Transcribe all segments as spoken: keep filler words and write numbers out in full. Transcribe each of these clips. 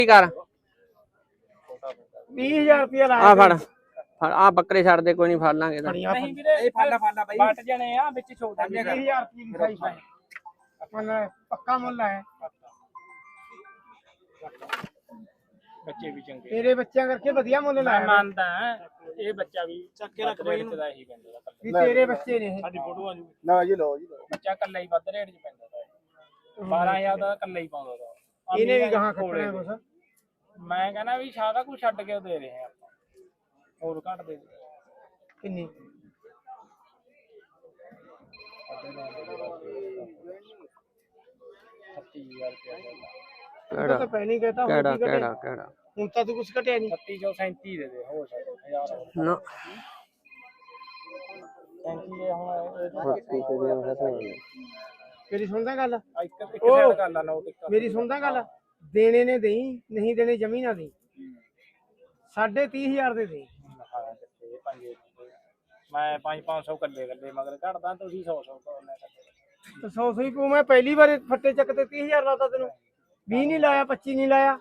ਕੀ ਕਰ ਵੀਹ ਹਜ਼ਾਰ ਰੁਪਇਆ ਲਾਇਆ ਆ ਫੜ ਫੜ ਆ ਬੱਕਰੇ ਛੱਡ ਦੇ ਕੋਈ ਨਹੀਂ ਫੜ ਲਾਂਗੇ ਤਾਂ ਨਹੀਂ ਵੀਰੇ ਇਹ ਫਾਲਾ ਫਾਲਾ ਬਾਈ ਵੱਟ ਜਣੇ ਆ ਵਿੱਚ ਛੋਟਾ ਵੀਹ ਹਜ਼ਾਰ ਰੁਪਏ ਦੀ ਸਾਈ ਪਾਏ ਮਨ ਪੱਕਾ ਮੁੱਲ ਹੈ ਬੱਚੇ ਵੀ ਚੰਗੇ ਤੇਰੇ ਬੱਚਿਆਂ ਕਰਕੇ ਵਧੀਆ ਮੁੱਲ ਲਾਇਆ ਮੈਂ ਮੰਨਦਾ ਇਹ ਬੱਚਾ ਵੀ ਚੱਕ ਕੇ ਰੱਖ ਬਈ ਦਾ ਇਹੀ ਪੈਂਦਾ ਵੀ ਤੇਰੇ ਬੱਚੇ ਨੇ ਇਹ ਸਾਡੀ ਫੋਟੋ ਆ ਜੂ ਨਾ ਜੀ ਲਓ ਜੀ ਬੱਚਾ ਕੱਲਾ ਹੀ ਵੱਧ ਰੇਟ 'ਚ ਪੈਂਦਾ ਬਾਰਾਂ ਹਜ਼ਾਰ ਦਾ ਕੱਲਾ ਹੀ ਪਾਉਂਦਾ ਦਾ ਇਹਨੇ ਵੀ ਗਾਹਾਂ ਖੋਲੇ ਕੁਛ ਮੈਂ ਕਹਿੰਦਾ ਵੀ ਸਾਰਾ ਕੁਝ ਛੱਡ ਕੇ ਦੇ ਰਹੇ ਆ ਆਪਾਂ ਹੋਰ ਘੱਟ ਦੇ ਕਿੰਨੀ ਛੱਤੀ ਹਜ਼ਾਰ ਕਿਹੜਾ ਤਾਂ ਪਹਿਲਾਂ ਹੀ ਕਹਤਾ ਕਿਹੜਾ ਕਿਹੜਾ ਕਿਹੜਾ ਹੁਣ ਤਾਂ ਤੂੰ ਕੁਝ ਘਟਿਆ ਨਹੀਂ ਛੱਤੀ ਚੋਂ ਸੈਂਤੀ ਦੇ ਦੇ ਹੋ ਸਕਦਾ ਹਜ਼ਾਰ ਨਾ ਸੈਂਤੀ ਦੇ ਹੁਣ ਬੱਤੀ ਤੇ ਦੇ ਉਹ ਤਾਂ ਮੇਰੀ ਸੁਣਦਾ ਗੱਲ ਇੱਕ ਇੱਕ ਸਾਈਡ ਕਰ ਲਾ ਨੋਟ ਇੱਕ ਮੇਰੀ ਸੁਣਦਾ ਗੱਲ ਦੇਣੇ ਨੇ ਦੇਈ ਨਹੀਂ ਦੇਣੇ ਜਮੀ ਨਾ ਦੇਈ ਸਾਢੇ ਤੀਹ ਹਜ਼ਾਰ ਦੇ ਦੇ ਮੈਂ ਪੰਜ ਪੰਜ ਸੌ ਕੱਲੇ ਕੱਲੇ ਮਗਰ ਘਟਦਾ ਤੁਸੀਂ ਸੌ ਸੌ ਤੇ ਸੌ ਸੌ ਹੀ ਪੂ ਮੈਂ ਪਹਿਲੀ ਵਾਰ ਫੱਟੇ ਚੱਕ ਤੇ ਤੀਹ ਹਜ਼ਾਰ ਲਾਤਾ ਤੈਨੂੰ ਵੀਹ ਨਹੀਂ ਲਾਇਆ ਪੱਚੀ ਨਹੀਂ ਲਾਇਆ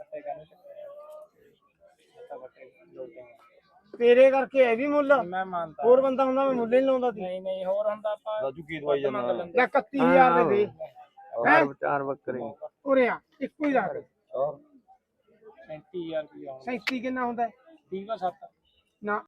ਤੇਰੇ ਕਰਕੇ ਇਹ ਵੀ ਮੁੱਲ ਮੈਂ ਮੰਨਦਾ ਹੋਰ ਬੰਦਾ ਹੁੰਦਾ ਮੈਂ ਮੁੱਲ ਹੀ ਲਾਉਂਦਾ ਸੀ ਨਹੀਂ ਨਹੀਂ ਹੋਰ ਹੁੰਦਾ ਆਪਾਂ ਰਾਜੂ ਕੀ ਦਵਾਈ ਜਾਂਦਾ ਲੈ ਇਕੱਤੀ ਹਜ਼ਾਰ ਦੇ ਦੇ ਚਾਰ ਚਾਰ ਬੱਕਰੇ ਉਰੇ ਆ ਇੱਕੋ ਹੀ ਲਾ ਦੇ ਸੈਂਤੀ ਹਜ਼ਾਰ ਰੁਪਇਆ ਸੈਂਤੀ ਕਿੰਨਾ ਹੁੰਦਾ ਤੀਹ ਦਾ ਸੱਤ ਨਾ